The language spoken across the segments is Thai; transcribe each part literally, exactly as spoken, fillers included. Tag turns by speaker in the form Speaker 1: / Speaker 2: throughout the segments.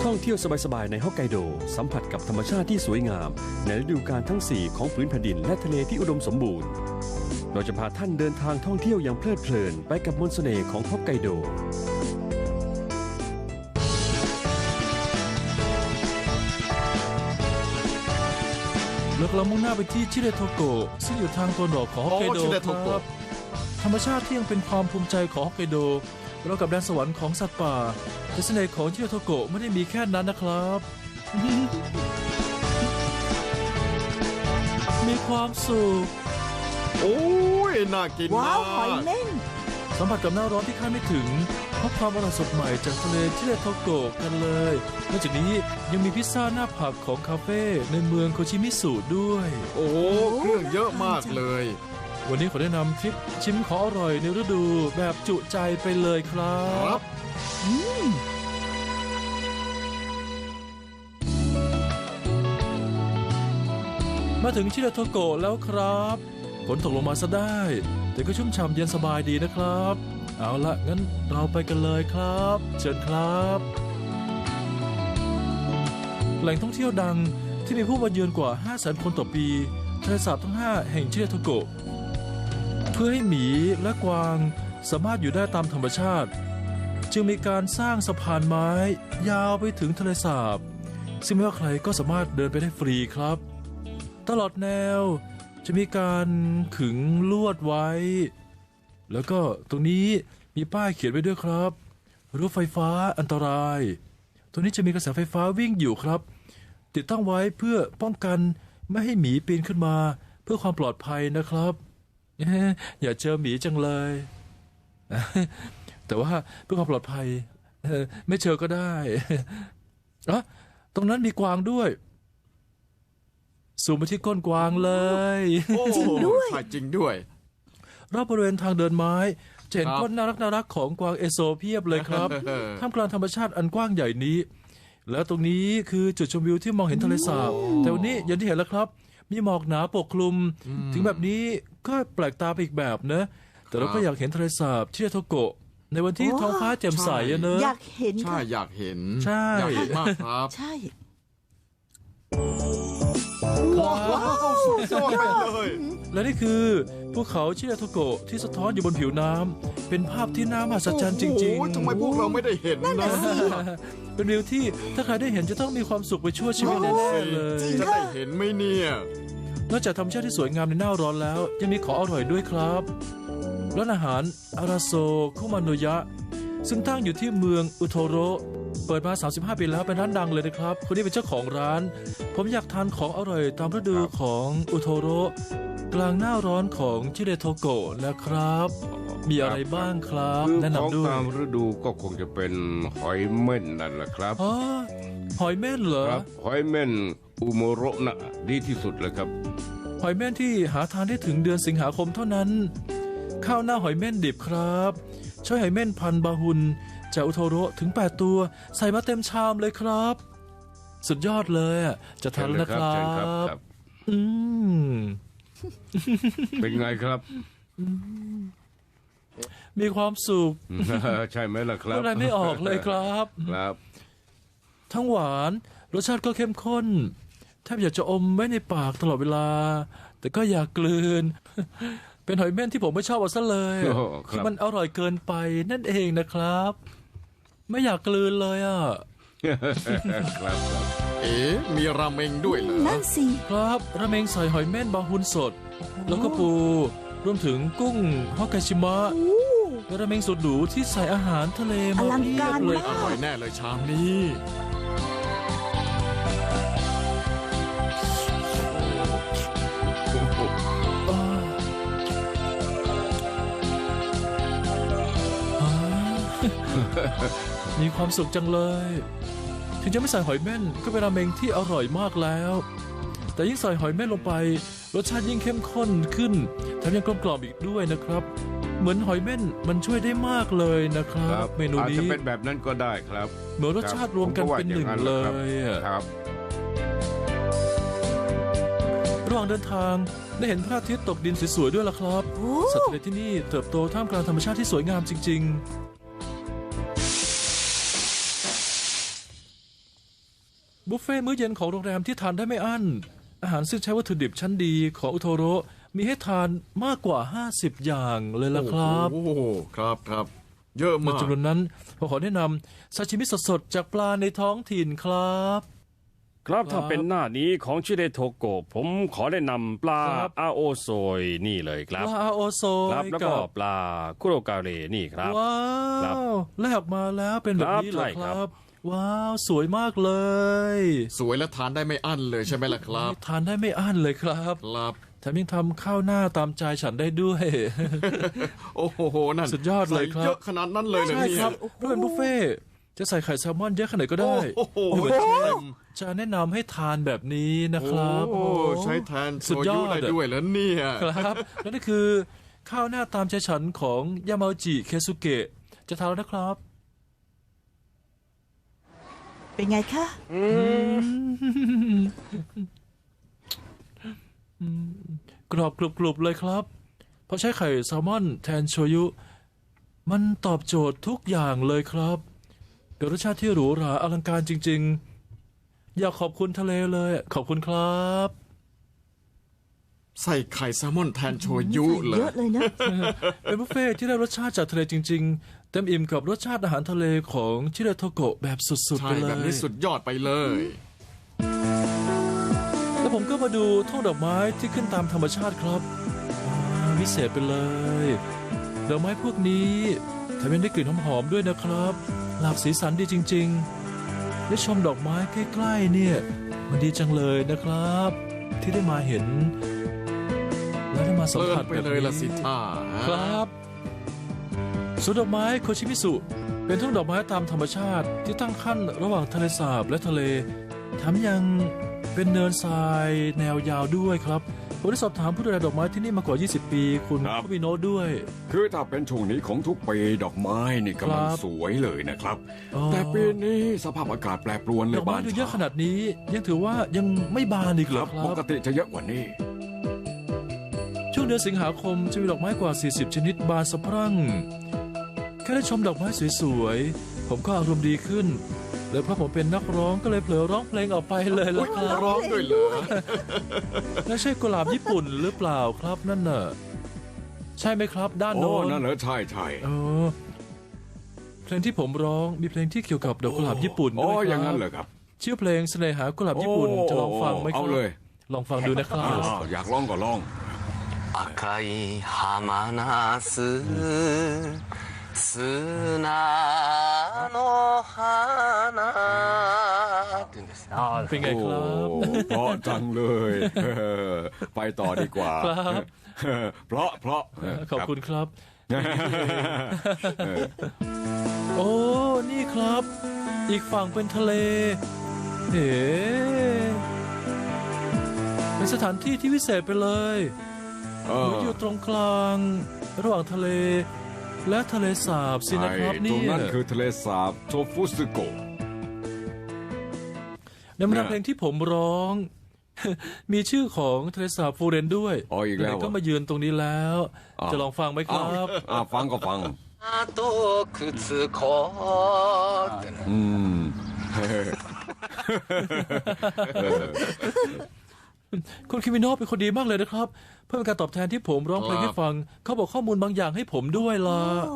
Speaker 1: ท่องเที่ยวสบายๆในฮอกไกโดสัมผัสกับธรรมชาติที่สวยงามในฤดูกาลทั้งสี่ของพื้นแผ่นดินและทะเลที่อุดมสมบูรณ์เราจะพาท่านเดินทางท่องเที่ยวอย่างเพลิดเพลินไปกับมนต์เสน่ห์ของฮอกไกโด
Speaker 2: แล้วเรามุ่งหน้าไปที่ชิเดโทโกะซึ่งอยู่ทางตะวันออกของฮอกไกโดครับธรรมชาติที่ยังเป็นความภูมิใจของฮอกไกโดเรากับแดนสวรรค์ของสัตว์ป่าแต่เสน่ห์ของชิเดโทโกะไม่ได้มีแค่นั้นนะครับ มีความสุข
Speaker 3: โอ้ยน่ากินมากว้าวหอยเม่น
Speaker 2: สัมผัสกับหน้าร้อนที่คาดไม่ถึงเพราะความอร่อยสดใหม่จากทะเลชิเดโทโกะกันเลยนอกจากนี้ยังมีพิซซ่าหน้าผักของคาเฟ่ในเมืองโคชิมิสุด้วย
Speaker 3: โอ้เครื่องเยอะมากเลย
Speaker 2: วันนี้ขอแนะนำทริปชิมของอร่อยในฤดูแบบจุใจไปเลยครับมาถึงชิเดโทโกะแล้วครับฝนตกลงมาซะได้แต่ก็ชุ่มฉ่ำเย็นสบายดีนะครับเอาละงั้นเราไปกันเลยครับเชิญครับแหล่งท่องเที่ยวดังที่มีผู้มาเยือนกว่า ห้าแสน คนต่อปีทะเลสาบทั้งห้าแห่งชิเดโทโกะเพื่อให้หมีและกวางสามารถอยู่ได้ตามธรรมชาติจึงมีการสร้างสะพานไม้ยาวไปถึงทะเลสาบซึ่งไม่ว่าใครก็สามารถเดินไปได้ฟรีครับตลอดแนวจะมีการขึงลวดไว้แล้วก็ตรงนี้มีป้ายเขียนไว้ด้วยครับรั้วไฟฟ้าอันตรายตรงนี้จะมีกระแสไฟฟ้าวิ่งอยู่ครับติดตั้งไว้เพื่อป้องกันไม่ให้หมีปีนขึ้นมาเพื่อความปลอดภัยนะครับอย่าเจอหมีจังเลยแต่ว่าเพื่อความปลอดภัยไม่เจอก็ได้อะตรงนั้นมีกวางด้วยสูงไปที่ก้นกวางเลย
Speaker 3: จริงด้วยจริงด้วย
Speaker 2: รอบบริเวณทางเดินไม้จะเห็นก้นน่ารักน่ารักของกวางเอโซเพียบเลยครับท่ามกลางธรรมชาติอันกว้างใหญ่นี้แล้วตรงนี้คือจุดชมวิวที่มองเห็นทะเลสาบแต่วันนี้อย่างที่เห็นแล้วครับมีหมอกหนาปกคลุมถึงแบบนี้ก็แปลกตาไปอีกแบบนะแต่เราก็อยากเห็นทะเลสาบชิเดโทโกะในวันที่ท้องฟ้าแจ่มใสเนอะ
Speaker 4: อยากเห็น
Speaker 3: ใช่อยากเห็น
Speaker 2: ใช่
Speaker 3: อยากเห็นมากครับ
Speaker 4: ใช่
Speaker 3: ว้าวสุดยอดไปเลย
Speaker 2: และนี่คือภูเขาชิเดโทโกะที่สะท้อนอยู่บนผิวน้ำเป็นภาพที่น่ามหัศจรรย์จริง
Speaker 3: ๆทำไมพวกเราไม่ได้เห็นนะ
Speaker 2: เป็นวิวที่ถ้าใครได้เห็นจะต้องมีความสุขไปชั่วชีวิตแน่ๆเลย
Speaker 3: จะได้เห็นไหมเนี่ย
Speaker 2: นอกจากธรรมชาติที่สวยงามในหน้าร้อนแล้วยังมีของอร่อยด้วยครับร้านอาหารอาราโซคุมาโนยะซึ่งตั้งอยู่ที่เมืองอุโทโระเปิดมาสามสิบห้าปีแล้วเป็นร้านดังเลยนะครับคนนี้เป็นเจ้าของร้านผมอยากทานของอร่อยตามฤดูของอุโทโระกลางหน้าร้อนของชิเดโทโกะนะครับมีอะไรบ้างครับแนะนำด้วย
Speaker 5: ตามฤดูก็คงจะเป็นหอยเม่นนั่นแหละครับ
Speaker 2: อ๋อหอยเม่นเหรอ
Speaker 5: หอยเม่นอุโมโระนะดีที่สุดเลยครับ
Speaker 2: หอยเม่นที่หาทานได้ถึงเดือนสิงหาคมเท่านั้นข้าวหน้าหอยเม่นดิบครับใช้หอยเม่นพันบาฮุนจากอุโทโระถึงแปดตัวใส่มาเต็มชามเลยครับสุดยอดเลยอ่ะจะทานแล้วนะครับอืม
Speaker 5: เป็นไงครับ
Speaker 2: มีความสุข
Speaker 5: ใช่ไหมล่ะครับ
Speaker 2: อะไรไม่ออกเลยครับ
Speaker 5: ครับ
Speaker 2: ทั้งหวานรสชาติก็เข้มข้นแทบอยากจะอมไว้ในปากตลอดเวลาแต่ก็อยากกลืนเป็นหอยเม่นที่ผมไม่ชอบเอาซะเลยคือมันอร่อยเกินไปนั่นเองนะครับไม่อยากกลืนเลยอ่ะ
Speaker 5: ครับ
Speaker 3: เอ๊ะมีราเมงด้วยเหรอ
Speaker 4: นั่นสิ
Speaker 2: ครับราเมงใส่หอยเม่นบาฮุนสดแล้วก็ปูรวมถึงกุ้งฮอกไกชิมะและราเมงสดหรูที่ใส่อาหารทะเลมาเพียบเลย
Speaker 3: อร่อยแน่เลยชามนี้
Speaker 2: มีความสุขจังเลยถึงจะไม่ใส่หอยเม่นก็เป็นราเมงที่อร่อยมากแล้วแต่ยิ่งใส่หอยเม่นลงไปรสชาติยิ่งเข้มข้นขึ้นแถมยังกลมกล่อมอีกด้วยนะครับเหมือนหอยเม่นมันช่วยได้มากเลยนะครับเมนูนี้
Speaker 5: อาจจะเป็นแบบนั้นก็ได้ครับ
Speaker 2: เหมือนรสชาติรวมกันเป็นหนึ่งเลย
Speaker 5: ครับ
Speaker 2: ระหว่างเดินทางได้เห็นพระอาทิตย์ตกดินสวยๆด้วยล่ะครับสัตว์ทะเลที่นี่เติบโตท่ามกลางธรรมชาติที่สวยงามจริงๆบุฟเฟ่ต์มื้อเย็นของโรงแรมที่ทานได้ไม่อั้นอาหารซึ่งใช้วัตถุดิบชั้นดีของอุโทโร่มีให้ทานมากกว่าห้าสิบอย่างเลยล่ะครับ
Speaker 3: โอ้โหครับครับเยอะ
Speaker 2: ใน
Speaker 3: มาก
Speaker 2: จำนวนนั้นผมขอแนะนำซาชิมิสดๆจากปลาในท้องถิ่นครับ
Speaker 1: ครับ
Speaker 2: ครับ
Speaker 1: ถ้าเป็นหน้านี้ของชิเดโทโกะผมขอแนะนำปลา
Speaker 2: ครับ
Speaker 1: อาโอโซยนี่เลยครับ
Speaker 2: ปลาอาโอโซ
Speaker 1: ครับ
Speaker 2: ย
Speaker 1: แล้ว
Speaker 2: กั
Speaker 1: ก็
Speaker 2: บ
Speaker 1: ปลาคุโรกาเรนี่ครับ
Speaker 2: ว้า
Speaker 1: ครับ
Speaker 2: วแลกมาแล้วเป็นแบบนี้เหรอ
Speaker 1: ครับใช่
Speaker 2: ค
Speaker 1: ครั
Speaker 2: รับ
Speaker 1: บ
Speaker 2: ว้าวสวยมากเลย
Speaker 3: สวยและทานได้ไม่อั้นเลยใช่ไหมล่ะครับ
Speaker 2: ทานได้ไม่อั้นเลยครับ
Speaker 3: ครับ
Speaker 2: แถมยังทำข้าวหน้าตามใจฉันได้ด้วย
Speaker 3: โอ้โหนั่น
Speaker 2: สุดยอดเลยครับ
Speaker 3: ใส่เยอะขนาดนั้นเลยเหรอ
Speaker 2: ใช่
Speaker 3: เนี่ย
Speaker 2: ครับด้วยเป็นบุฟเฟ่ต์จะใส่ไข่แซลมอนเยอะขนาดไหนก็ได้
Speaker 3: โอ้โห
Speaker 2: เหมือน
Speaker 3: เต็ม
Speaker 2: จะแนะนำให้ทานแบบนี้นะครับ
Speaker 3: โอ้ใช้แทนโช
Speaker 2: สุดยอ
Speaker 3: ยุ
Speaker 2: ด
Speaker 3: ได้ด้วยแล้วเนี่ย
Speaker 2: ครับและนี่คือข้าวหน้าตามใจฉันของยามาจิเคซุเกะจะทานแล้วนะครับ
Speaker 4: เป็นไงคะ
Speaker 2: กรอบกรุบๆเลยครับ เพราะใช้ไข่แซลมอนแทนโชยุ มันตอบโจทย์ทุกอย่างเลยครับเป็นรสชาติที่หรูหราอลังการจริงๆ อยากขอบคุณทะเลเลย ขอบคุณครับ
Speaker 3: ใส่ไข่แซลมอนแทนโชยุเล
Speaker 4: เย
Speaker 3: ย
Speaker 4: อะเลยนะ
Speaker 2: เป็นบุฟเฟ่ต์ที่ได้รสชาติจากทะเลจริงๆ เต็มอิ่มกับรสชาติอาหารทะเลของชิเรโทโกะแบบสุดๆ
Speaker 3: ใช่
Speaker 2: ไปเล
Speaker 3: แบบ
Speaker 2: ย
Speaker 3: นี้สุดยอดไปเลย
Speaker 2: แล้วผมก็มาดูทุ่งดอกไม้ที่ขึ้นตามธรรมชาติครับอ่าวิเศษไปเลย ดอกไม้พวกนี้แถมยังได้กลิ่นหอมๆด้วยนะครับ หลากสีสันดีจริงๆ ได้ชมดอกไม้ใกล้ๆเนี่ย มันดีจังเลยนะครับ ที่ได้มาเห็น และได้มาสัม
Speaker 3: เลิ
Speaker 2: ผั
Speaker 3: น
Speaker 2: ส
Speaker 3: ไป
Speaker 2: แบบ
Speaker 3: เลย
Speaker 2: นี้
Speaker 3: ละสิท่า
Speaker 2: ครับสวนดอกไม้โคชิมิสุ เป็นทุ่งดอกไม้ตามธรรมชาติที่ตั้งขั้นระหว่างทะเลสาบและทะเลแถมยังเป็นเนินทรายแนวยาวด้วยครับผมได้สอบถามผู้ดูแลดอกไม้ที่นี่มากว่า ยี่สิบ ปี คุณ
Speaker 6: ครับ
Speaker 2: คุบิโนะด้วย
Speaker 6: คือถ้าเป็นช่วงนี้ของทุกปีดอกไม้นี่กำลัง
Speaker 2: ครับ
Speaker 6: สวยเลยนะครับ
Speaker 2: อ๋อ
Speaker 6: แต่ปีนี้สภาพอากาศแปรปรวนเล
Speaker 2: ด
Speaker 6: ย
Speaker 2: อกไม้
Speaker 6: บาน
Speaker 2: ดูเยอะ
Speaker 6: ช้า
Speaker 2: ขนาดนี้ ยังถือว่ายังไม่บานอีก
Speaker 6: ค
Speaker 2: เหร
Speaker 6: รั
Speaker 2: อบ ค
Speaker 6: ป
Speaker 2: รับ
Speaker 6: กติจะเยอะกว่านี้
Speaker 2: ช่วงเดือนสิงหาคมจะมีดอกไม้กว่า สี่สิบ ชนิดบานสะพรั่ง แค่ได้ชมดอกไม้สวยๆ ผมก็อารมณ์ดีขึ้น และเพราะผมเป็นนักร้องก็เลยเผลอร้องเพลงออกไปเลยละครับ
Speaker 3: ร้องด้วยเหรอ
Speaker 2: แล้วใช่กุหลาบญี่ปุ่นหรือเปล่าครับนั่นน่ะ ใช่ไหมครับด้าน
Speaker 6: โอ้
Speaker 2: โน้น
Speaker 6: นั่นเหรอใช่ใช่
Speaker 2: เออเพลงที่ผมร้องมีเพลงที่เกี่ยวกับดอกกุหลาบญี่ปุ่น
Speaker 6: โอ้
Speaker 2: ด้วยครับ
Speaker 6: อย่างนั้นเหรอครับ
Speaker 2: ชื่อเพลงเสน่หากุหลาบญี่ปุ่น
Speaker 6: โอ้
Speaker 2: จะลองฟังไหมครับ
Speaker 6: เอาเลย
Speaker 2: ลองฟังดูนะครับ
Speaker 6: อ้าวอยากร้องก็ร้อง
Speaker 7: 赤い浜ナス砂の花って言うんですあ
Speaker 2: เป็นไง
Speaker 6: โอ้
Speaker 2: ครับ
Speaker 6: เพราะจังเลย เออไปต่อดีกว่า
Speaker 2: ครับ
Speaker 6: เพราะเพราะ
Speaker 2: ขอบคุณ
Speaker 6: รั
Speaker 2: ครับ โอ้ นี่ครับ อีกฝั่งเป็นทะเล เฮ้เป็นสถานที่ที่วิเศษไปเลย
Speaker 6: เอ
Speaker 2: เห
Speaker 6: อ
Speaker 2: มือนอยู่ตรงกลาง ระหว่างทะเล และทะเลสาบสินะครับ
Speaker 6: ใช่ตร
Speaker 2: เนี่
Speaker 6: ง
Speaker 2: ย
Speaker 6: นั้นคือทะเลสาบโชฟุสึโกะ
Speaker 2: ในบรรดาเพลงที่ผมร้อง มีชื่อของทะเลสาบฟูเรนด้วย
Speaker 6: อ๋ออีกแล้ว
Speaker 2: ไหนๆก็มายืนตรงนี้แล้ว
Speaker 6: อ้าว
Speaker 2: จะลองฟังไหมค
Speaker 6: อ้าว
Speaker 2: รับ
Speaker 6: อ้าวฟังก็ฟัง
Speaker 7: とくつこってね
Speaker 6: อืม
Speaker 2: คุณคิมิโนะเป็นคนดีมากเลยนะครับ เพื่อเป็นการตอบแทนที่ผมร้องเพลงให้ฟัง เขาบอกข้อมูลบางอย่างให้ผมด้วยล่ะ
Speaker 4: โอ้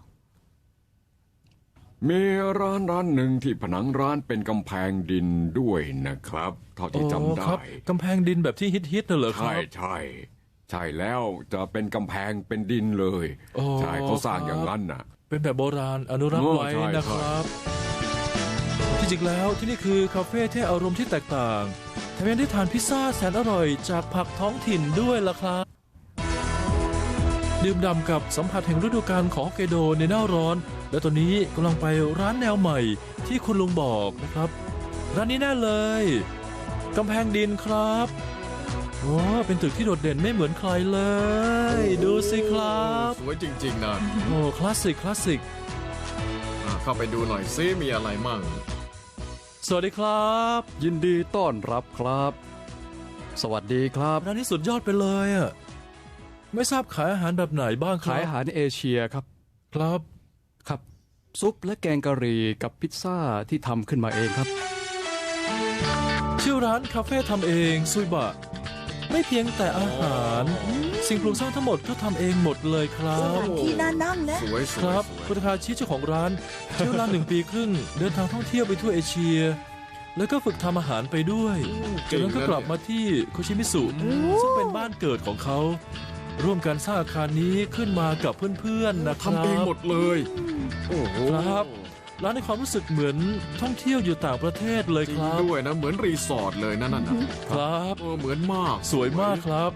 Speaker 6: มีร้านร้านหนึ่งที่ผนังร้านเป็นกำแพงดินด้วยนะครับ เท่าที่จำ
Speaker 2: อ๋อ
Speaker 6: ได้
Speaker 2: ครับกำแพงดินแบบที่ฮิตๆน่ะเหรอค
Speaker 6: ใช่
Speaker 2: รับ
Speaker 6: ใช่ใช่แล้วจะเป็นกำแพงเป็นดินเลย
Speaker 2: อ๋อ
Speaker 6: ใช่เขาสร้าง
Speaker 2: ครับ
Speaker 6: อย่างนั้นน่ะ
Speaker 2: เป็นแบบโบราณอนุรักษ์
Speaker 6: โอ้
Speaker 2: ไว้
Speaker 6: ใช่
Speaker 2: นะครับที่จริงแล้วที่นี่คือคาเฟ่ที่อารมณ์ที่แตกต่างแถมยังได้ทานพิซซ่าแสนอร่อยจากผักท้องถิ่นด้วยล่ะครับ ดื่มด่ำกับสัมผัสแห่งฤดูกาลของฮอกไกโดในหน้าร้อน และตอนนี้กำลังไปร้านแนวใหม่ที่คุณลุงบอกนะครับ ร้านนี้แน่เลยกำแพงดินครับโอ้เป็นตึกที่โดดเด่นไม่เหมือนใครเลย ดูสิครับ
Speaker 3: สวยจริงๆนะ
Speaker 2: โอ้คลาสสิกคลาสสิก
Speaker 3: อ่ะเข้าไปดูหน่อยซิมีอะไรมั่ง
Speaker 2: สวัสดีครับ
Speaker 8: ยินดีต้อนรับครับ สวัสดีครับ
Speaker 2: ร้านนี้สุดยอดไปเลยอ่ะไม่ทราบขายอาหารแบบไหนบ้างครั
Speaker 8: ขาย
Speaker 2: บ
Speaker 8: อาหารเอเชียครับ
Speaker 2: ครับ
Speaker 8: ครับ ซุปและแกงกะหรี่กับพิซซ่าที่ทำขึ้นมาเองครับ
Speaker 2: ชื่อร้านคาเฟ่ทำเองซุยบะไม่เพียงแต่อาหาร สิ่งปลูกสร้างทั้งหมดก็ทำเองหมดเลยครั
Speaker 4: ส
Speaker 2: บ
Speaker 4: ถานที่น่านั่งนะ
Speaker 3: สวยส
Speaker 2: ค
Speaker 3: วย
Speaker 2: รับ
Speaker 3: สวย
Speaker 2: คุณคาชิเจ้าของร้านใช้เวลาหนึ่งปีครึ่งเดินทางท่องเที่ยวไปทั่วเอเชีย แล้วก็ฝึกทำอาหารไปด้วยจากนั้นก็กลับมาที่โคชิมิสุซึ่งเป็นบ้านเกิดของเขา ร่วมกันสร้างอาคารนี้ขึ้นมากับเพื่อนๆนะครับ
Speaker 3: ทำเองหมดเลยโอ้โห
Speaker 2: ครับร้านในความรู้สึกเหมือนท่องเที่ยวอยู่ต่างประเทศเลย
Speaker 3: จริ
Speaker 2: ค
Speaker 3: ง
Speaker 2: รับ
Speaker 3: ด้วยนะเหมือนรีสอร์ทเลยนะนั่นนะครับ เออเหมือนมาก
Speaker 2: สวยมากครับ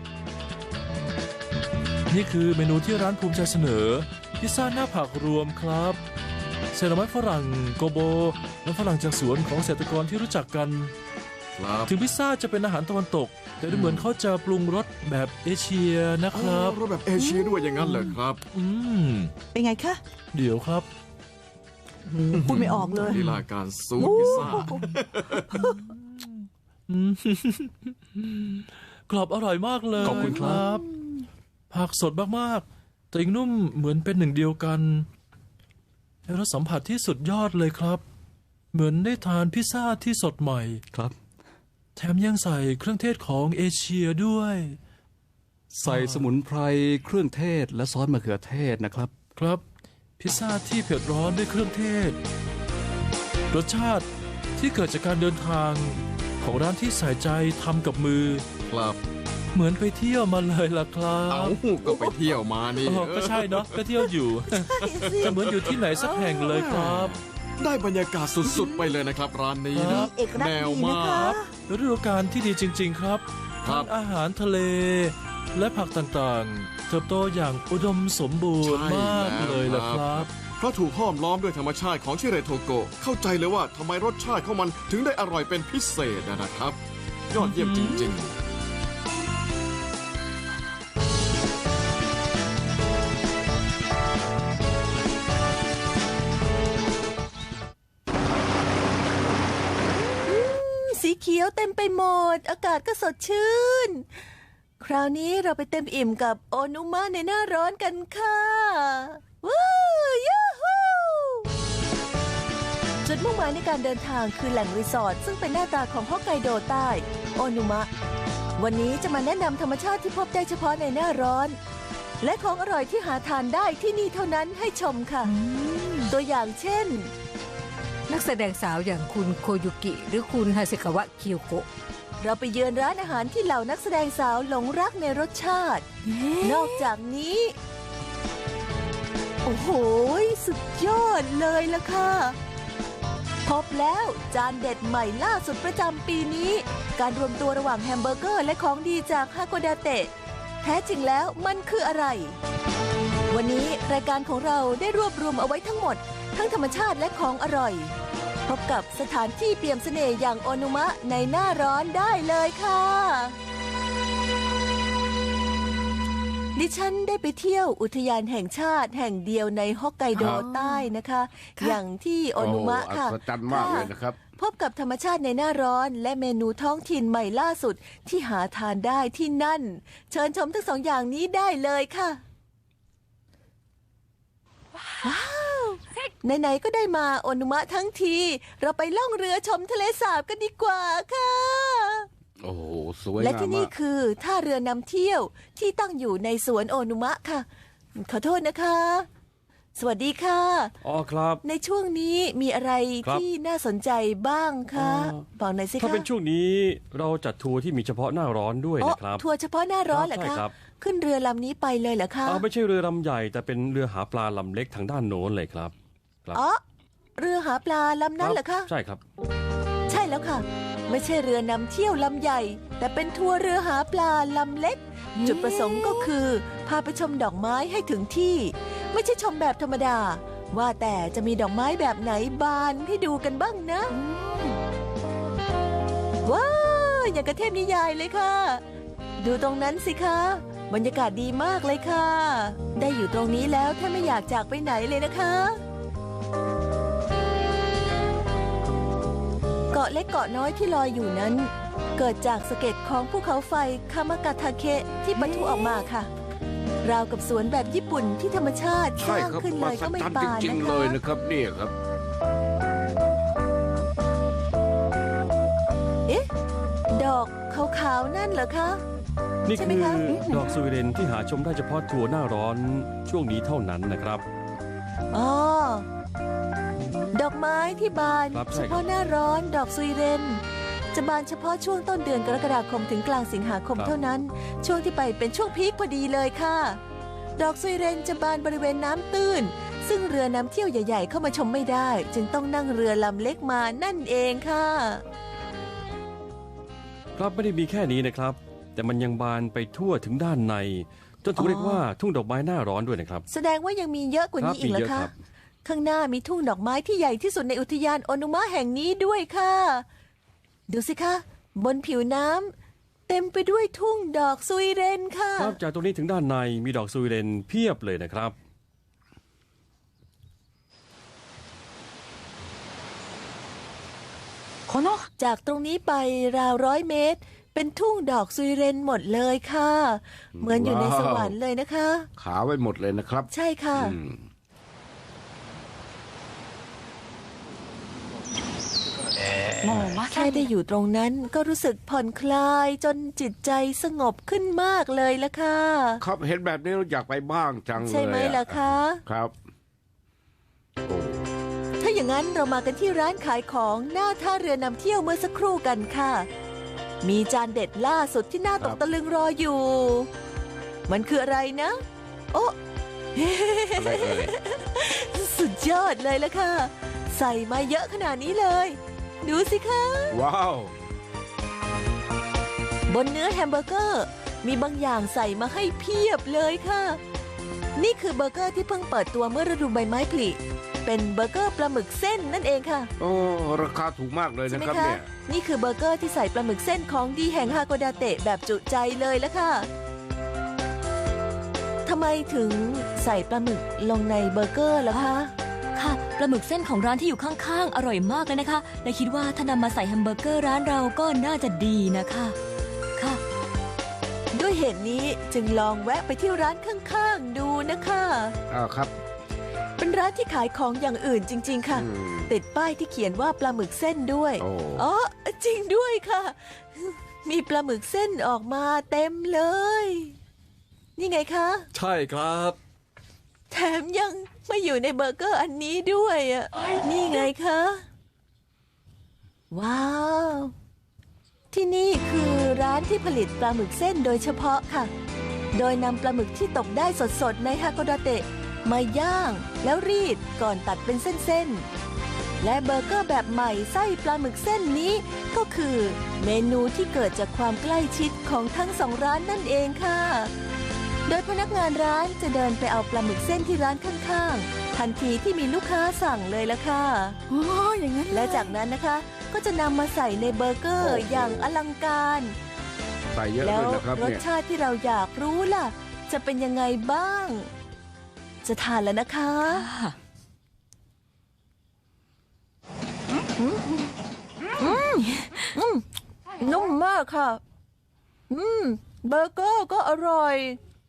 Speaker 2: นี่คือเมนูที่ร้านภูมิใจเสนอ พิซซ่าหน้าผักรวมครับใส่หน่อไม้ฝรั่งโกโบและฝรั่งจากสวนของเกษตรกรที่รู้จักกัน
Speaker 3: ครับ
Speaker 2: ถึงพิซซ่าจะเป็นอาหารตะวันตก แต่ดูเหมือนเขาจะปรุงรสแบบเอเชียนะครับ
Speaker 3: รถแบบเอเชียด้วยอย่างนั้นเหรอครับ
Speaker 2: อืม
Speaker 4: เป็นไงคะ
Speaker 2: เดี๋ยวครับ
Speaker 4: พูดไม่ออกเลย
Speaker 3: ลีลาการซูดพิซซ่า
Speaker 2: อืม กรอบอร่อยมากเลย
Speaker 8: ขอบคุณครับ
Speaker 2: ผักสดมากๆแต่ยังนุ่มเหมือนเป็นหนึ่งเดียวกันให้รสสัมผัสที่สุดยอดเลยครับ เหมือนได้ทานพิซซ่าที่สดใหม่
Speaker 8: ครับ
Speaker 2: แถมยังใส่เครื่องเทศของเอเชียด้วย
Speaker 8: ใส่สมุนไพรเครื่องเทศและซอสมะเขือเทศนะครับ
Speaker 2: ครับ พิซซ่าที่เผ็ดร้อนด้วยเครื่องเทศ รสชาติที่เกิดจากการเดินทางของร้านที่ใส่ใจทำกับมือ
Speaker 3: ครับ
Speaker 2: เหมือนไปเที่ยวมาเลยล่ะครั
Speaker 3: เอา
Speaker 2: บ
Speaker 3: ก็ไปเที่ยวมานี่
Speaker 2: อ๋อก็ใช่เนาะก็เที่ยวอยู่ จะเหมือนอยู่ที่ไหนสักแห่งเลยครับ
Speaker 3: ได้บรรยากาศสุดๆไปเลยนะครับร้านนี้
Speaker 2: ครั
Speaker 3: นะ
Speaker 2: บ
Speaker 4: เอกลักษ
Speaker 3: แน
Speaker 4: ณ์
Speaker 3: ว
Speaker 4: ดี
Speaker 3: มา
Speaker 4: นะคะ
Speaker 3: ก
Speaker 2: ฤดูกาลที่ดีจริง ๆ ครับ
Speaker 3: ครับ
Speaker 2: ทั้งอาหารทะเล และผักต่างๆ เติบโตอย่างอุดมสมบูรณ์
Speaker 3: ใช่
Speaker 2: มากเลยล่ะครับ
Speaker 3: เพราะถูกห้อมล้อมด้วยธรรมชาติของชิเรโทโกะเข้าใจเลยว่าทำไมรสชาติของมันถึงได้อร่อยเป็นพิเศษนะครับ ยอดเยี่ยมจริง ๆ
Speaker 4: สีเขียวเต็มไปหมด อากาศก็สดชื่น คราวนี้เราไปเต็มอิ่มกับโอนุมะในหน้าร้อนกันค่ะว้าวยูฮูจุดมุ่งหมายในการเดินทางคือแหล่งรีสอร์ทซึ่งเป็นหน้าตาของฮอกไกโดใต้โอนุมะ วันนี้จะมาแนะนำธรรมชาติที่พบได้เฉพาะในหน้าร้อน และของอร่อยที่หาทานได้ที่นี่เท่านั้นให้ชมค่ะ ตัวอย่างเช่น
Speaker 9: นักแสดงสาวอย่างคุณโคยุกิ หรือคุณฮาเซกาวะคิโยโกะ
Speaker 4: เราไปเยือนร้านอาหารที่เหล่านักแสดงสาวหลงรักในรสชาติ นอกจากนี้ โอ้โห สุดยอดเลยล่ะค่ะ พบแล้วจานเด็ดใหม่ล่าสุดประจำปีนี้ การรวมตัวระหว่างแฮมเบอร์เกอร์และของดีจากฮาโกดาเตะ แท้จริงแล้วมันคืออะไร วันนี้รายการของเราได้รวบรวมเอาไว้ทั้งหมด ทั้งธรรมชาติและของอร่อย พบกับสถานที่เปี่ยมเสน่ห์อย่างโอนุมะในหน้าร้อนได้เลยค่ะ ดิฉันได้ไปเที่ยวอุทยานแห่งชาติแห่งเดียวในฮอกไกโด
Speaker 5: ครับ
Speaker 4: ใต้นะคะ อย่างที่โอนุมะค่ะ
Speaker 5: โอ้อัศจรรย์มากเลยนะครับ
Speaker 4: พบกับธรรมชาติในหน้าร้อนและเมนูท้องถิ่นใหม่ล่าสุดที่หาทานได้ที่นั่น เชิญชมทั้งสองอย่างนี้ได้เลยค่ะ ว้าวไหนๆก็ได้มาโอนุมะทั้งที เราไปล่องเรือชมทะเลสาบกันดีกว่าค่ะ
Speaker 5: โอ้โหสวย
Speaker 4: และ
Speaker 5: งาม
Speaker 4: ที่นี่
Speaker 5: มาก
Speaker 4: คือท่าเรือนำเที่ยวที่ตั้งอยู่ในสวนโอนุมะค่ะ ขอโทษนะคะ สวัสดีค่ะ
Speaker 1: อ๋อครับ
Speaker 4: ในช่วงนี้มีอะไร
Speaker 1: ครับ
Speaker 4: ที่น่าสนใจบ้างคะ
Speaker 1: อ๋อ
Speaker 4: บอกหน่อยสิคะ
Speaker 1: ถ้าเป็นช่วงนี้เราจัดทัวร์ที่มีเฉพาะหน้าร้อนด้วย
Speaker 4: อ๋อ
Speaker 1: นะครับ
Speaker 4: ทัวร์เฉพาะหน้าร้อนเหรอ
Speaker 1: ใช่
Speaker 4: คะ
Speaker 1: ครับ
Speaker 4: ขึ้นเรือลำนี้ไปเลยเหรอคะ
Speaker 1: อ่าไม่ใช่เรือลำใหญ่แต่เป็นเรือหาปลาลำเล็กทางด้านโน้นเลยครับ ครับ
Speaker 4: อ๋อเรือหาปลาลำนั้นเหรอคะ
Speaker 1: ใช่ครับ
Speaker 4: ใช่แล้วค่ะ ไม่ใช่เรือนำเที่ยวลำใหญ่ แต่เป็นทัวร์เรือหาปลาลำเล็ก จุดประสงค์ก็คือ พาไปชมดอกไม้ให้ถึงที่ ไม่ใช่ชมแบบธรรมดา ว่าแต่จะมีดอกไม้แบบไหนบานให้ดูกันบ้างนะว้าวอย่างกระเทพนิยายเลยค่ะ ดูตรงนั้นสิคะ บรรยากาศดีมากเลยค่ะ ได้อยู่ตรงนี้แล้วแทบไม่อยากจากไปไหนเลยนะคะ เกาะเล็กเกาะน้อยที่ลอยอยู่นั้น เกิดจากสะเก็ดของภูเขาไฟคามากาทาเคะที่ปะทุออกมาค่ะ ราวกับสวนแบบญี่ปุ่นที่ธรรมชาติส
Speaker 5: ใช่
Speaker 4: ร้าง
Speaker 5: ครับ
Speaker 4: ขึ้นเล
Speaker 5: มหั
Speaker 4: ย
Speaker 5: ศ
Speaker 4: ก็ไม่
Speaker 5: จรรย์
Speaker 4: ปาน
Speaker 5: จริง
Speaker 4: นะ
Speaker 5: ๆ เลย
Speaker 4: คะ
Speaker 5: นะครับเนี่ยครับ
Speaker 4: เอ๊ะาวๆนั่นเหรอคะ
Speaker 1: นี่
Speaker 4: ใช่ไหม
Speaker 1: คือ
Speaker 4: คะ
Speaker 1: ดอกสุยเรนที่หาชมได้เฉพาะทัวร์หน้าร้อนช่วงนี้เท่านั้นนะครับ
Speaker 4: อ๋อดอกไม้ที่บาน
Speaker 1: ครับใช่
Speaker 4: เฉ
Speaker 1: ครับ
Speaker 4: พาะหน้าร้อนดอกซุยเรนจะบานเฉพาะช่วงต้นเดือนกรกฎาคมถึงกลางสิงหาคมเท่านั้น ช่วงที่ไปเป็นช่วงพีคพอดีเลยค่ะ ดอกซุยเรนจะบานบริเวณน้ำตื้น ซึ่งเรือนำเที่ยวใหญ่ๆเข้ามาชมไม่ได้ จึงต้องนั่งเรือลำเล็กมานั่นเองค่ะ
Speaker 1: ครับไม่ได้มีแค่นี้นะครับ แต่มันยังบานไปทั่วถึงด้านในจนถูกเรียกว่าทุ่งดอกไม้หน้าร้อนด้วยนะครับ
Speaker 4: แสดงว่ายังมีเยอะกว่านี้
Speaker 1: ครับ
Speaker 4: อีกเหรอ
Speaker 1: มีเยอะ
Speaker 4: คะ
Speaker 1: ครับ
Speaker 4: ข้างหน้ามีทุ่งดอกไม้ที่ใหญ่ที่สุดในอุทยานโอนุมะแห่งนี้ด้วยค่ะ ดูสิคะ บนผิวน้ำเต็มไปด้วยทุ่งดอกซุยเรนค่ะ
Speaker 1: ครับจากตรงนี้ถึงด้านในมีดอกซุยเรนเพียบเลยนะครับ
Speaker 4: จากตรงนี้ไปราวร้อยเมตร เป็นทุ่งดอกซุยเรนหมดเลยค่ะ เหมือนอยู่ในสวรรค์เลยนะคะ
Speaker 5: ขาวไว้หมดเลยนะครับ
Speaker 4: ใช่ค่ะ
Speaker 5: อืม
Speaker 4: แค่ได้อยู่ตรงนั้นก็รู้สึกผ่อนคลายจนจิตใจสงบขึ้นมากเลยละค่ะ
Speaker 5: ครับเห็นแบบนี้เราอยากไปบ้างจังเลย
Speaker 4: ใช่ไหมล่ะคะ
Speaker 5: ครับโอ้
Speaker 4: ถ้าอย่างนั้นเรามากันที่ร้านขายของหน้าท่าเรือนำเที่ยวเมื่อสักครู่กันค่ะ มีจานเด็ดล่าสุดที่น่าตกตะลึงรออยู่ มันคืออะไรนะ โอ้
Speaker 5: อะไรเอ่ย
Speaker 4: สุดยอดเลยละค่ะ ใส่มาเยอะขนาดนี้เลย ดูสิคะ
Speaker 5: ว้าว
Speaker 4: บนเนื้อแฮมเบอร์เกอร์มีบางอย่างใส่มาให้เพียบเลยค่ะ นี่คือเบอร์เกอร์ที่เพิ่งเปิดตัวเมื่อฤดูใบไม้ผลิเป็นเบอร์เกอร์ปลาหมึกเส้นนั่นเองค่ะ
Speaker 5: โอ้ราคาถูกมากเลย
Speaker 4: ใช่
Speaker 5: นะ
Speaker 4: ไหม
Speaker 5: ครับ
Speaker 4: คะ
Speaker 5: เนี่ย
Speaker 4: นี่คือเบอร์เกอร์ที่ใส่ปลาหมึกเส้นของดีแห่งฮาโกดาเตะแบบจุใจเลยละค่ะทำไมถึงใส่ปลาหมึกลงในเบอร์เกอร์ล่ะคะ
Speaker 10: ค่ะปลาหมึกเส้นของร้านที่อยู่ข้างๆ อร่อยมากเลยนะคะ และคิดว่าถ้านำมาใส่แฮมเบอร์เกอร์ร้านเราก็น่าจะดีนะคะ ค่ะ
Speaker 4: ด้วยเหตุนี้จึงลองแวะไปที่ร้านข้างๆดูนะคะ
Speaker 5: อ่าครับ
Speaker 4: เป็นร้านที่ขายของอย่างอื่นจริง ๆ ค่ะ
Speaker 5: อืม
Speaker 4: ติดป้ายที่เขียนว่าปลาหมึกเส้นด้วย
Speaker 5: โอ้
Speaker 4: อ๋อจริงด้วยค่ะ มีปลาหมึกเส้นออกมาเต็มเลย นี่ไงคะ
Speaker 8: ใช่ครับ
Speaker 4: แถมยังมาอยู่ในเบอร์เกอร์อันนี้ด้วยอ่ะ นี่ไงคะ ว้าว ที่นี่คือร้านที่ผลิตปลาหมึกเส้นโดยเฉพาะค่ะ โดยนำปลาหมึกที่ตกได้สดๆในฮาโกดาเตะมาย่างแล้วรีดก่อนตัดเป็นเส้นๆ และเบอร์เกอร์แบบใหม่ไส้ปลาหมึกเส้นนี้ก็คือเมนูที่เกิดจากความใกล้ชิดของทั้งสองร้านนั่นเองค่ะ โดยพนักงานร้านจะเดินไปเอาปลาหมึกเส้นที่ร้านข้างๆ ทันทีที่มีลูกค้าสั่งเลยละค่ะ
Speaker 10: โอ้อย่างนั้น
Speaker 4: และจากนั้นนะคะก็จะนำมาใส่ในเบอร์เกอร์อย่างอลังการ
Speaker 5: ใส่เยอะ
Speaker 4: แล้
Speaker 5: เล
Speaker 4: วย
Speaker 5: นะครับ
Speaker 4: รส
Speaker 5: เนี่ย
Speaker 4: ชาติที่เราอยากรู้ล่ะ จะเป็นยังไงบ้าง จะทานแล้วนะคะ
Speaker 10: ค่ะ
Speaker 4: นุ่มมากค่ะ อืม เบอร์เกอร์ก็อร่อย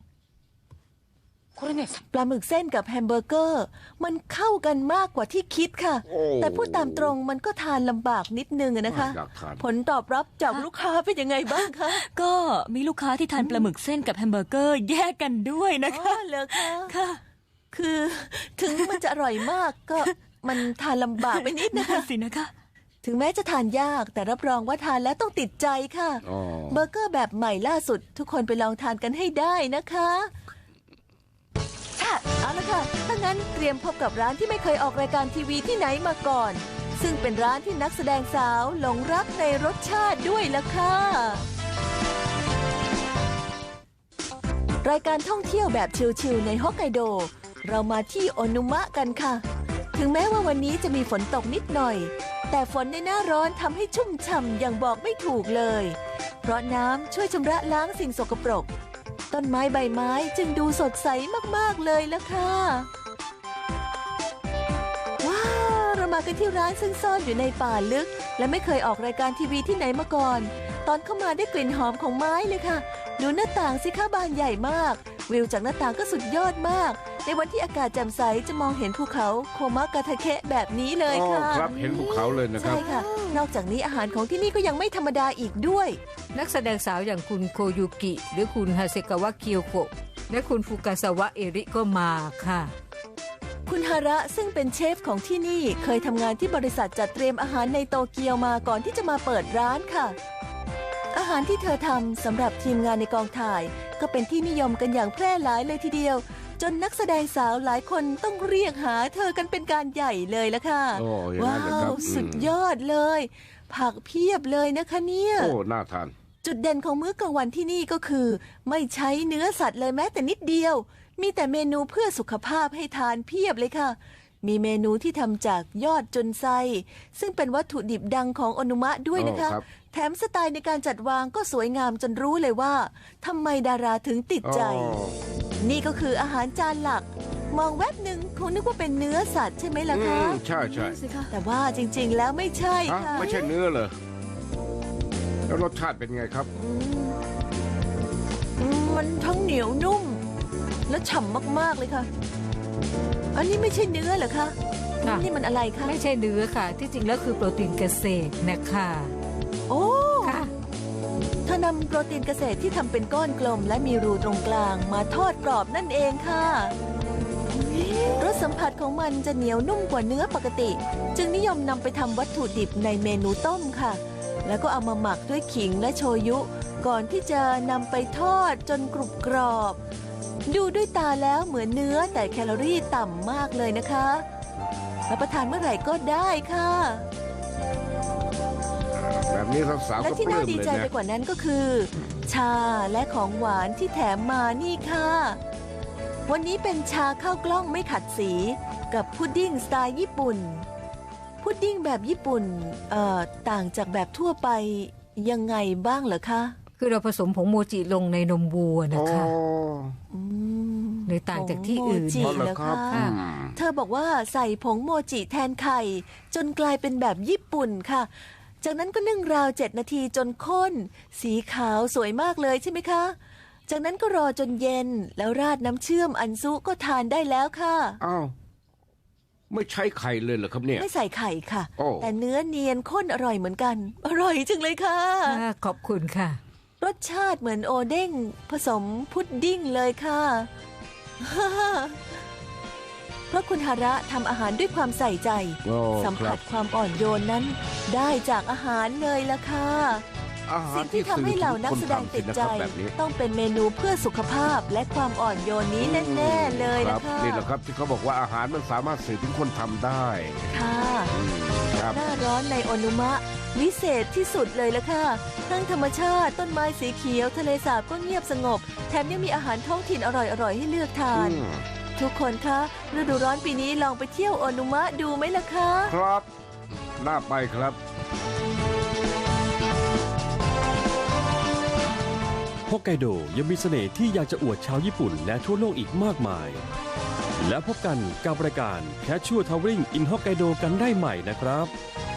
Speaker 4: ปลาหมึกเส้นกับแฮมเบอร์เกอร์ มันเข้ากันมากกว่าที่คิดค่ะ
Speaker 5: โอ้
Speaker 4: แต่พูดตามตรงมันก็ทานลำบากนิดนึงอะนะคะ
Speaker 5: อยากทาน
Speaker 4: ผลตอบรับจากลูกค้าเป็นยังไงบ้างคะ
Speaker 10: ก็มีลูกค้าที่ทานปลาหมึกเส้นกับแฮมเบอร์เกอร์แยกกันด้วยนะ
Speaker 4: อ๋
Speaker 10: คะ
Speaker 4: อเหรอคะ
Speaker 10: ค่ะ
Speaker 4: คือถึงมันจะอร่อยมากก็มันทานลำบากไปนิด
Speaker 10: นั่
Speaker 4: นะคะ
Speaker 10: นสินะคะ
Speaker 4: ถึงแม้จะทานยากแต่รับรองว่าทานแล้วต้องติดใจค่ะ
Speaker 5: อ๋อ
Speaker 4: เบอร์เกอร์แบบใหม่ล่าสุด ทุกคนไปลองทานกันให้ได้นะคะค่ะเอาละค่ะถ้างั้นเตรียมพบกับร้านที่ไม่เคยออกรายการทีวีที่ไหนมาก่อน ซึ่งเป็นร้านที่นักแสดงสาวหลงรักในรสชาติด้วยล่ะค่ะรายการท่องเที่ยวแบบชิลๆในฮอกไกโด เรามาที่โอนุมะกันค่ะ ถึงแม้ว่าวันนี้จะมีฝนตกนิดหน่อย แต่ฝนในหน้าร้อนทำให้ชุ่มฉ่ำอย่างบอกไม่ถูกเลย เพราะน้ำช่วยชำระล้างสิ่งสกปรก ต้นไม้ใบไม้จึงดูสดใสมากๆเลยละค่ะ ว้าว เรามากันที่ร้านซึ่งซ่อนอยู่ในป่าลึก และไม่เคยออกรายการทีวีที่ไหนมาก่อน ตอนเข้ามาได้กลิ่นหอมของไม้เลยค่ะ ดูหน้าต่างสิคะบานใหญ่มากวิวจากหน้าต่างก็สุดยอดมาก ในวันที่อากาศแจ่มใสจะมองเห็นภูเขาโคมะกาทาเคะแบบนี้เลย
Speaker 5: อ๋อ
Speaker 4: ค่ะ
Speaker 5: ครับเห็นภูเขาเลยนะครับ
Speaker 4: ใช่ค่ะ นอกจากนี้อาหารของที่นี่ก็ยังไม่ธรรมดาอีกด้วย
Speaker 9: นักแสดงสาวอย่างคุณโคยุกิ หรือคุณฮาเซกาวะเคียวโกะและคุณฟุกาซาวะเอริก็มาค่ะ
Speaker 4: คุณฮาระซึ่งเป็นเชฟของที่นี่เคยทำงานที่บริษัทจัดเตรียมอาหารในโตเกียวมาก่อนที่จะมาเปิดร้านค่ะ อาหารที่เธอทำสำหรับทีมงานในกองถ่าย ก็เป็นที่นิยมกันอย่างแพร่หลายเลยทีเดียว จนนักแสดงสาวหลายคนต้องเรียกหาเธอกันเป็นการใหญ่เลยละค่ะ
Speaker 5: โอ้อย่างนั้
Speaker 4: ว้าน
Speaker 5: เลยครับ
Speaker 4: ว
Speaker 5: อืม
Speaker 4: สุดยอดเลย ผักเพียบเลยนะคะเนี่ย
Speaker 5: โอ้น่าทาน
Speaker 4: จุดเด่นของมื้อกลางวันที่นี่ก็คือ ไม่ใช้เนื้อสัตว์เลยแม้แต่นิดเดียว มีแต่เมนูเพื่อสุขภาพให้ทานเพียบเลยค่ะ มีเมนูที่ทำจากยอดจุนไซซึ่งเป็นวัตถุดิบดังของโอนุมะด้วยนะคะ
Speaker 5: อ๋อครับ
Speaker 4: แถมสไตล์ในการจัดวางก็สวยงามจนรู้เลยว่าทำไมดาราถึงติดใจ
Speaker 5: อ๋อ
Speaker 4: นี่ก็คืออาหารจานหลัก มองแวบหนึ่งคงนึกว่าเป็นเนื้อสัตว์ใช่ไหมล่ะ
Speaker 5: อื
Speaker 4: คะ
Speaker 5: มใช่ใช่
Speaker 4: แต่ว่าจริงๆแล้วไม่ใช่
Speaker 5: ฮะ
Speaker 4: ค่ะ
Speaker 5: ไม่ใช่เนื้อเลยแล้วรสชาติเป็นไงครับ
Speaker 4: อืมมันทั้งเหนียวนุ่ม และฉ่ำมากๆเลยค่ะ อันนี้ไม่ใช่เนื้อเหรอคะ
Speaker 9: ค่ะ
Speaker 4: นี่มันอะไรคะ
Speaker 9: ไม่ใช่เนื้อค่ะ ที่จริงแล้วคือโปรตีนเกษตรนะคะ
Speaker 4: โอ้
Speaker 9: ค่ะ
Speaker 4: เธอนำโปรตีนเกษตรที่ทำเป็นก้อนกลมและมีรูตรงกลางมาทอดกรอบนั่นเองค่ะ รสสัมผัสของมันจะเหนียวนุ่มกว่าเนื้อปกติ จึงนิยมนำไปทำวัตถุดิบในเมนูต้มค่ะ แล้วก็เอามาหมักด้วยขิงและโชยุ ก่อนที่จะนำไปทอดจนกรุบกรอบ ดูด้วยตาแล้วเหมือนเนื้อแต่แคลอรี่ต่ำมากเลยนะคะรับประทานเมื่อไหร่ก็ได้ค่ะ
Speaker 5: แบบนี้สาวๆ
Speaker 4: และ
Speaker 5: ก็
Speaker 4: ที่
Speaker 5: ปลื้
Speaker 4: น่าม ดี
Speaker 5: เลย
Speaker 4: ใจไป
Speaker 5: นะ
Speaker 4: กว่านั้นก็คือ ชาและของหวานที่แถมมานี่ค่ะ วันนี้เป็นชาข้าวกล้องไม่ขัดสีกับพุดดิ้งสไตล์ญี่ปุ่น พุดดิ้งแบบญี่ปุ่นเอ่อต่างจากแบบทั่วไปยังไงบ้างเหรอคะ
Speaker 9: คือเราผสมผงโมจิลงในนมวัวนะคะ
Speaker 4: อืม
Speaker 9: เลยต่างจากที่อื่น
Speaker 4: ผงโมจิ
Speaker 5: อ๋อเหรอ
Speaker 4: เหรอ
Speaker 5: ครั
Speaker 4: คะ
Speaker 5: บอืม
Speaker 4: เธอบอกว่าใส่ผงโมจิแทนไข่ จนกลายเป็นแบบญี่ปุ่นค่ะ จากนั้นก็นึ่งราวเจ็ดนาทีจนข้น สีขาวสวยมากเลยใช่ไหมคะ จากนั้นก็รอจนเย็นแล้วราดน้ำเชื่อมอันซุก็ทานได้แล้วค่ะ
Speaker 5: อ้าวไม่ใช้ไข่เลยเหรอครับเนี่ย
Speaker 4: ไม่ใส่ไข่ค่ะ
Speaker 5: โอ้
Speaker 4: แต่เนื้อเนียนข้นอร่อยเหมือนกัน อร่อยจังเลยค่ะ
Speaker 9: ค่ะขอบคุณค่ะ
Speaker 4: รสชาติเหมือนโอเด้งผสมพุดดิ้งเลยค่ะ เพราะคุณฮาระทำอาหารด้วยความใส่ใจ
Speaker 5: โอ้
Speaker 4: สัม
Speaker 5: ค
Speaker 4: ผั
Speaker 5: รั
Speaker 4: ส
Speaker 5: บ
Speaker 4: ความอ่อนโยนนั้น ได้จากอาหารเลยล่ะค่ะ
Speaker 5: อาหาร
Speaker 4: สิ่งที่ทำให้เหล่านักแสดงติดใจ
Speaker 5: คนทำสินะครับแบบนี้
Speaker 4: ต้องเป็นเมนูเพื่อสุขภาพและความอ่อนโยนนี้แน่ๆเลย
Speaker 5: ครั
Speaker 4: นะ
Speaker 5: บ
Speaker 4: คะ
Speaker 5: นี่แหละครับที่เขาบอกว่าอาหารมันสามารถสื่อถึงคนทำได้
Speaker 4: ค่ะ
Speaker 5: อืมครับ
Speaker 4: หน้าร้อนในโอนุมะ วิเศษที่สุดเลยละค่ะ ทั้งธรรมชาติต้นไม้สีเขียวทะเลสาบก็เงียบสงบ แถมยังมีอาหารท้องถิ่นอร่อยๆให้เลือกทาน
Speaker 5: อืม
Speaker 4: ทุกคนคะฤดูร้อนปีนี้ลองไปเที่ยวโอนุมะดูไหมล่ะคะ
Speaker 5: ครับ น่าไปครับ
Speaker 1: ฮอกไกโดยังมีเสน่ห์ที่อยากจะอวดชาวญี่ปุ่นและทั่วโลกอีกมากมาย แล้วพบกันกับรายการ Casual Traveling in Hokkaido กันได้ใหม่นะครับ